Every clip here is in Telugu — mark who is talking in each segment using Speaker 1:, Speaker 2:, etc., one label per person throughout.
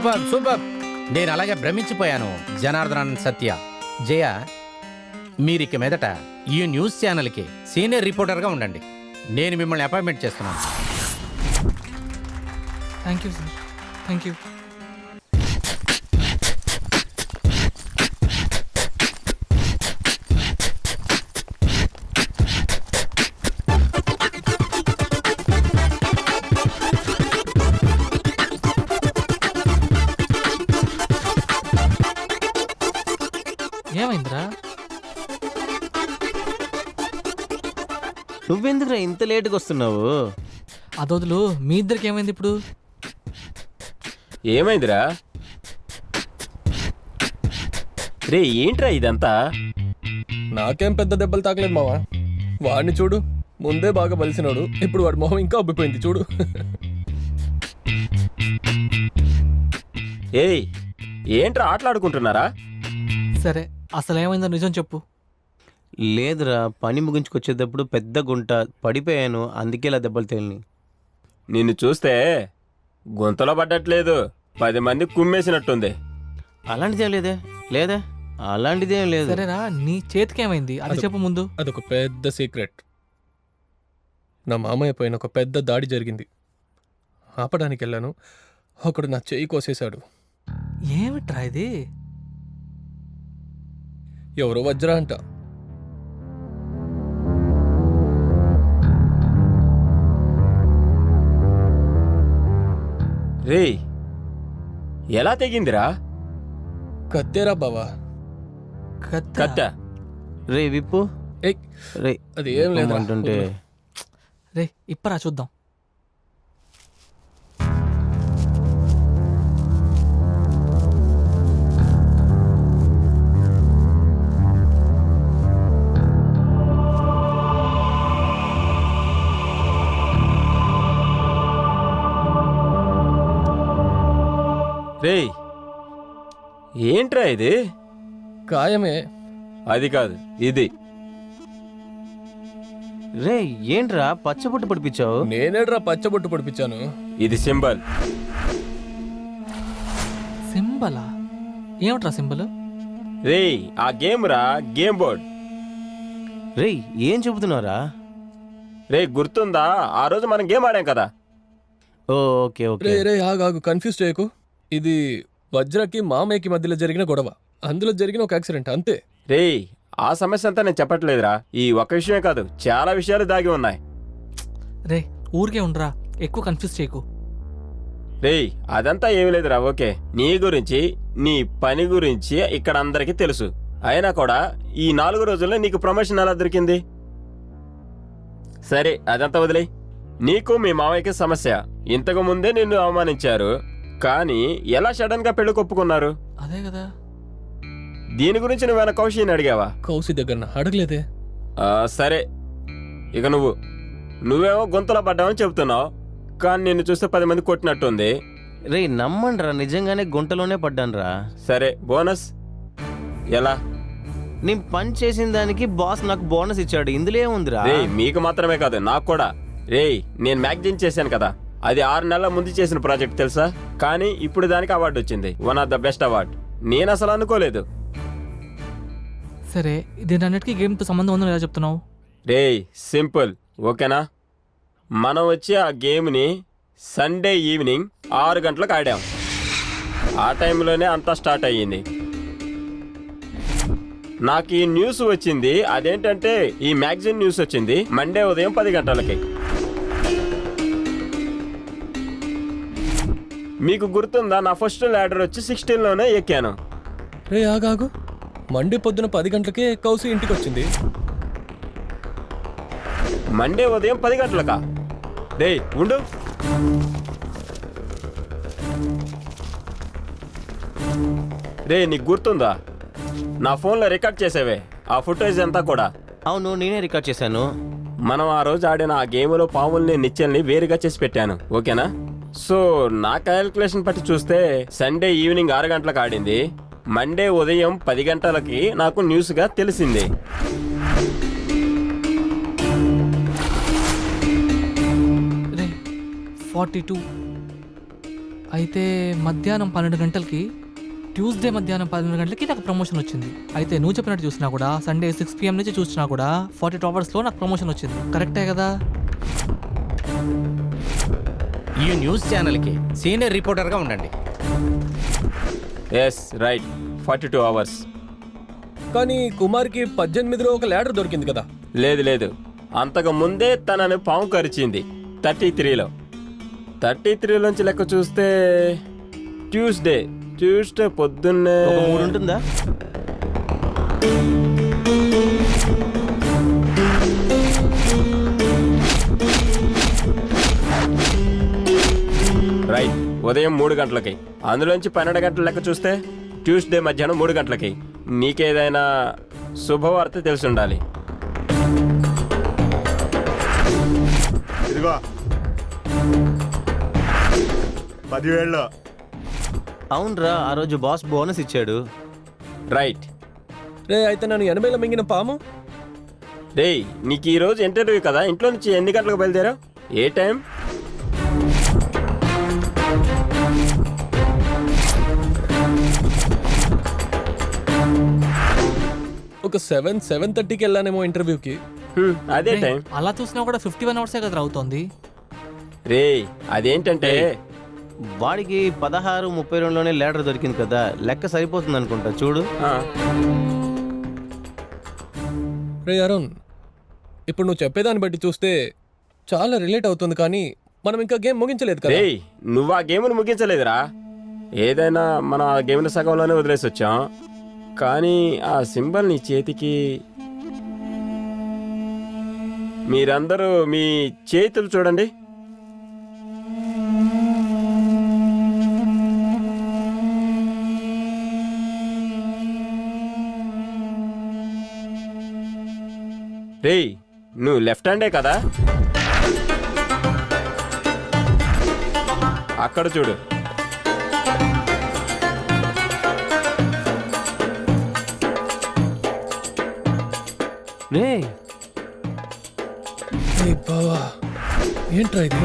Speaker 1: Super super. నేను అలాగే భ్రమించిపోయాను. జనార్దన్, సత్య, జయ, మీరిక మీదట ఈ న్యూస్ ఛానల్కి సీనియర్ రిపోర్టర్గా ఉండండి. నేను మిమ్మల్ని అపాయింట్మెంట్ చేస్తున్నాను.
Speaker 2: Thank you sir, thank you. ఏమైందిరా?
Speaker 3: నువ్వెందుకురా ఇంత లేటుగా వస్తున్నావు?
Speaker 2: అదొదులు, మీ ఇద్దరికి ఏమైంది ఇప్పుడు?
Speaker 4: ఏమైందిరా? రే ఏంట్రా ఇదంతా?
Speaker 5: నాకేం పెద్ద దెబ్బలు తాకలేదు మావా. వాడిని చూడు, ముందే బాగా బలిసినాడు, ఇప్పుడు వాడి మొహం ఇంకా ఉబ్బిపోయింది చూడు.
Speaker 4: ఏయ్ ఏంట్రా ఆటలాడుకుంటున్నారా?
Speaker 2: సరే, అసలు ఏమైందో నిజం చెప్పు.
Speaker 3: లేదురా, పని ముగించుకొచ్చేటప్పుడు పెద్ద గుంట పడిపోయాను, అందుకే ఇలా దెబ్బలు తేలిని.
Speaker 4: నిన్ను చూస్తే గుంతలో పడ్డట్లేదు, 10 మంది కుమ్మేసినట్టుంది.
Speaker 3: అలాంటిదేం లేదే. లేదే, అలాంటిదేం లేదు.
Speaker 2: సరేరా, నీ చేతికి ఏమైంది అది చెప్పు ముందు.
Speaker 5: అదొక పెద్ద సీక్రెట్. నా మామయ్య పైన ఒక పెద్ద దాడి జరిగింది. ఆపడానికి వెళ్ళాను, ఒకడు నా చెయ్యి కోసేశాడు.
Speaker 2: ఏమిట్రా ఇది?
Speaker 5: ఎవరో వజ్రా అంట.
Speaker 4: రే ఎలా తెగిందిరా?
Speaker 5: కత్తేరా బావా.
Speaker 4: కత్తా?
Speaker 3: రే విప్పు.
Speaker 5: ఏయ్,
Speaker 3: రే
Speaker 5: అది ఏం లేదు
Speaker 3: అంటుంటే.
Speaker 2: రే ఇప్పరా చూద్దాం.
Speaker 4: రే ఏంట్రా ఇది?
Speaker 5: ఖాయమే.
Speaker 4: అది కాదు, ఇది.
Speaker 3: రే ఏంట్రా పచ్చబొట్టు పడిపించావు?
Speaker 5: నేనేడ్రా పచ్చబొట్టు పడిపించాను.
Speaker 4: ఇది సింబల్.
Speaker 2: సింబలా? ఏమిట్రా సింబల్?
Speaker 4: రే ఆ గేమ్ రా, గేమ్ బోర్డ్.
Speaker 3: రే ఏం చెబుతున్నారా?
Speaker 4: రే గుర్తుందా ఆ రోజు మనం గేమ్ ఆడాం కదా?
Speaker 3: Okay okay.
Speaker 5: రే రే ఆగు, కన్ఫ్యూజ్ చేయకు. ఇది వజ్రకి మామయ్యకి మధ్యలో జరిగిన గొడవ, అందులో జరిగిన ఒక యాక్సిడెంట్ అంతే.
Speaker 4: రే ఆ సమస్య అంతా నేను చెప్పట్లేదురా, ఈ ఒక్క విషయమే కాదు, చాలా విషయాలు దాగి ఉన్నాయి.
Speaker 2: రే ఊరికే ఉండరా, ఎక్కువ కన్ఫ్యూజ్ చేయకు.
Speaker 4: రే అదంతా ఏమీ లేదురా. ఓకే, నీ గురించి, నీ పని గురించి ఇక్కడ అందరికీ తెలుసు. అయినా కూడా ఈ 4 రోజుల్లో నీకు ప్రమోషన్ ఎలా దొరికింది? సరే అదంతా వదిలే. నీకు మీ మామయ్యకి సమస్య. ఇంతకు ముందే నిన్ను అవమానించారు, కానీ ఎలా సడన్ గా పెళ్లి కొప్పుకున్నారు?
Speaker 2: అదే కదా.
Speaker 4: దీని గురించి నువ్వేనా కౌశిని అడిగావా?
Speaker 5: కౌశి దగ్గర అడగలేదే.
Speaker 4: సరే, ఇక నువ్వేమో గుంతలో పడ్డావని చెబుతున్నావు, కానీ నిన్ను చూస్తే 10 మంది కొట్టినట్టుంది.
Speaker 3: రే నమ్మండ్రా, నిజంగానే గుంటలోనే పడ్డానురా.
Speaker 4: సరే బోనస్ ఎలా?
Speaker 3: నేను పని చేసిన దానికి బాస్ నాకు బోనస్ ఇచ్చాడు, ఇందులో ఏముందిరా?
Speaker 4: రే మీకు మాత్రమే కాదు, నాకు కూడా. రే నేను మ్యాగజైన్ చేశాను కదా, అది 6 నెలల ముందు చేసిన ప్రాజెక్ట్ తెలుసా? కానీ ఇప్పుడు దానికి అవార్డు వచ్చింది, one of the best award. నేను అసలు అనుకోలేదు.
Speaker 2: సరే, దీనన్నిటికీ గేమ్తో సంబంధం ఉందని ఎలా చెప్తున్నావు?
Speaker 4: రే సింపుల్, ఓకేనా? మనం వచ్చి ఆ గేమ్ని సండే ఈవినింగ్ 6 గంటలకు ఆడాం. ఆ టైంలోనే అంతా స్టార్ట్ అయ్యింది. నాకు ఈ న్యూస్ వచ్చింది, అదేంటంటే ఈ మ్యాగజైన్ న్యూస్ వచ్చింది మండే ఉదయం 10 గంటలకి. మీకు గుర్తుందా, నా ఫస్ట్ ల్యాడర్ వచ్చి 16లోనే ఎక్కాను.
Speaker 5: రే ఆగాగు, మండే పొద్దున 10 గంటలకే కౌశి ఇంటికి వచ్చింది.
Speaker 4: మండే ఉదయం 10 గంటలకా? రే ఉండు, రే నీకు గుర్తుందా, నా ఫోన్లో రికార్డ్ చేసేవే ఆ ఫుటేజ్ అంతా కూడా?
Speaker 3: అవును, నేనే రికార్డ్ చేశాను.
Speaker 4: మనం ఆ రోజు ఆడిన ఆ గేమ్లో పాముల్ని నిచ్చెల్ని వేరుగా చేసి పెట్టాను, ఓకేనా? సో నా క్యాలిక్యులేషన్ బట్టి చూస్తే సండే ఈవినింగ్ 6 గంటలకు ఆడింది, మండే ఉదయం 10 గంటలకి నాకు న్యూస్గా తెలిసింది.
Speaker 2: రే 42 అయితే మధ్యాహ్నం 12 గంటలకి ట్యూస్డే మధ్యాహ్నం 12 గంటలకి నాకు ప్రమోషన్ వచ్చింది. అయితే నువ్వు చెప్పినట్టు చూసినా కూడా సండే 6 PM నుంచి చూసినా కూడా 42 అవర్స్లో నాకు ప్రమోషన్ వచ్చింది. కరెక్టే కదా?
Speaker 1: ఈ న్యూస్ ఛానల్కి సీనియర్ రిపోర్టర్గా ఉండండి.
Speaker 4: Yes right, 42 hours.
Speaker 5: కానీ కుమార్కి 18లో ఒక ల్యాడర్ దొరికింది కదా.
Speaker 4: లేదు లేదు, అంతకు ముందే తనని పాము కరిచింది 33లో. 33లోంచి లెక్క చూస్తే ట్యూస్డే పొద్దున్నే
Speaker 3: ఒక 3 ఉంటుందా?
Speaker 4: రైట్, ఉదయం 3 గంటలకి. అందులోంచి 12 గంటల లెక్క చూస్తే ట్యూస్డే మధ్యాహ్నం 3 గంటలకి. నీకేదైనా శుభవార్త తెలిసి ఉండాలి.
Speaker 6: ఇదిగో 10,000.
Speaker 3: అవునరా, ఆ రోజు బాస్ బోనస్ ఇచ్చాడు.
Speaker 4: రైట్.
Speaker 5: రే అయితే నన్ను 80లో మింగిన పాము.
Speaker 4: రేయ్, నీకు ఈరోజు ఇంటర్వ్యూ కదా, ఇంట్లో నుంచి ఎన్ని గంటలకు బయలుదేరావు? ఏ టైం?
Speaker 5: ఒక 7:30కి వెళ్ళానేమో ఇంటర్వ్యూకి.
Speaker 4: అదే
Speaker 2: రేయ్,
Speaker 4: టైం.
Speaker 2: అలా చూసినా కూడా 51 అవర్సే కదా అవుతోంది.
Speaker 4: రేయ్, అదేంటంటే
Speaker 3: వాడికి 16:32లోనే ల్యాడర్ దొరికింది కదా, లెక్క సరిపోతుంది అనుకుంటా. చూడు.
Speaker 4: ఆ,
Speaker 5: రే అరుణ్, ఇప్పుడు నువ్వు చెప్పేదాన్ని బట్టి చూస్తే చాలా రిలేట్ అవుతుంది, కానీ మనం ఇంకా గేమ్ ముగించలేదు కదా.
Speaker 4: రేయ్, నువ్వు ఆ గేమ్ను ముగించలేదురా. ఏదైనా మనం ఆ గేమ్ని సగంలోనే వదిలేసి వచ్చాం. కానీ ఆ సింబల్ నీ చేతికి, మీరందరూ మీ చేతులు చూడండి. రేయ్, నువ్వు లెఫ్ట్ హ్యాండే కదా? అక్కడ చూడు.
Speaker 3: రే,
Speaker 5: ఏ బావా, ఏంట్రా ఇది?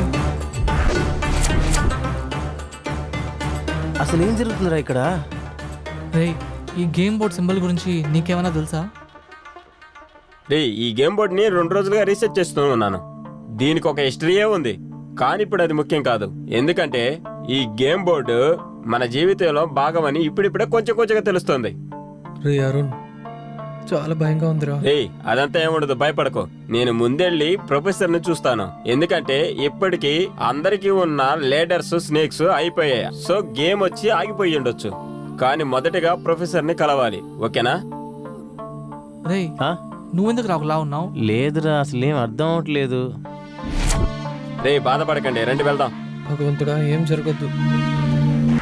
Speaker 3: అసలు ఏం జరుగుతుందిరా ఇక్కడ?
Speaker 2: రేయ్, ఈ గేమ్ బోర్డ్ సింబల్ గురించి నీకేమైనా తెలుసా?
Speaker 4: రేయ్, ఈ గేమ్ బోర్డ్ని 2 రోజులుగా రీసెర్చ్ చేస్తూ ఉన్నాను. దీనికి ఒక హిస్టరీయే ఉంది, కానీ ఇప్పుడు అది ముఖ్యం కాదు. ఎందుకంటే ఈ గేమ్ బోర్డు మన జీవితంలో భాగమని ఇప్పుడిప్పుడే కొంచెం కొంచెంగా తెలుస్తుంది.
Speaker 5: రే అరుణ్, చాలా భయంగా ఉందిరా.
Speaker 4: రేయ్, అదంతా ఏముండదు, భయపడకు. నేను ముందెళ్ళి ప్రొఫెసర్ని చూస్తాను. ఎందుకంటే ఇప్పటికీ అందరికీ ఉన్న లేడర్స్, స్నేక్స్ అయిపోయాయి. సో గేమ్ వచ్చి ఆగిపోయి ఉండొచ్చు. కానీ మొదటగా ప్రొఫెసర్ని కలవాలి, ఓకేనా?
Speaker 2: రేయ్,
Speaker 3: ఆ?
Speaker 2: నువ్వెందుకు రాకులా ఉన్నావు?
Speaker 3: లేదురా, అసలు ఏం అర్థం అవట్లేదు.
Speaker 4: రేయ్, బాధపడకండి, రండి వెళ్దాం.
Speaker 5: భగవంతుడా, ఏం జరగద్దు.